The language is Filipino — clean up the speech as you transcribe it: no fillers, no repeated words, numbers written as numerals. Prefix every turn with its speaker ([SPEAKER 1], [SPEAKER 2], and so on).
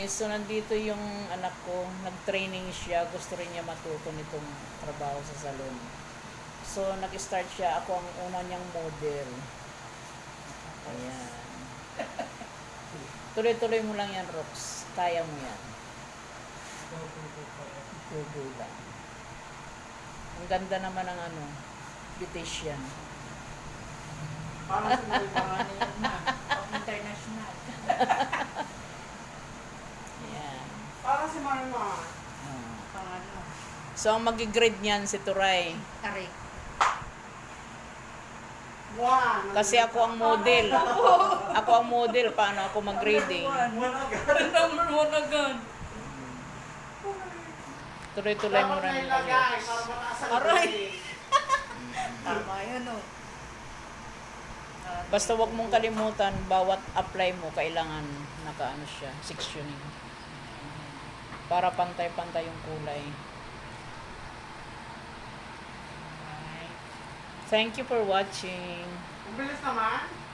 [SPEAKER 1] guys, so nandito yung anak ko, nag-training siya, gusto rin niya matuto nitong trabaho sa salon. So nag-start siya, ako ang una niyang model. Ayan. Tuloy-tuloy mo lang yan, Rox. Kaya mo yan. Go lang. Ang ganda naman ng ano, beautician.
[SPEAKER 2] Para sa mga yan na, pang international.
[SPEAKER 1] Ayan.
[SPEAKER 2] Para si Marma.
[SPEAKER 1] Oh.
[SPEAKER 2] Pang ano,
[SPEAKER 1] So ang mag-grade niyan si Turay.
[SPEAKER 2] tarik. One.
[SPEAKER 1] Kasi ako ang model. Ako ang model, paano ako mag-grading?
[SPEAKER 2] Number one agad.
[SPEAKER 1] Tuloy-tuloy mo
[SPEAKER 2] Dapat
[SPEAKER 1] rin.
[SPEAKER 2] may lagay para mataas ang
[SPEAKER 3] Aray.
[SPEAKER 2] grade.
[SPEAKER 3] Tama yun, oh.
[SPEAKER 1] Basta wag mong kalimutan, bawat apply mo, kailangan nakaano siya, sectioning. Para pantay-pantay yung kulay. Thank you for watching.
[SPEAKER 2] Ang bilis naman.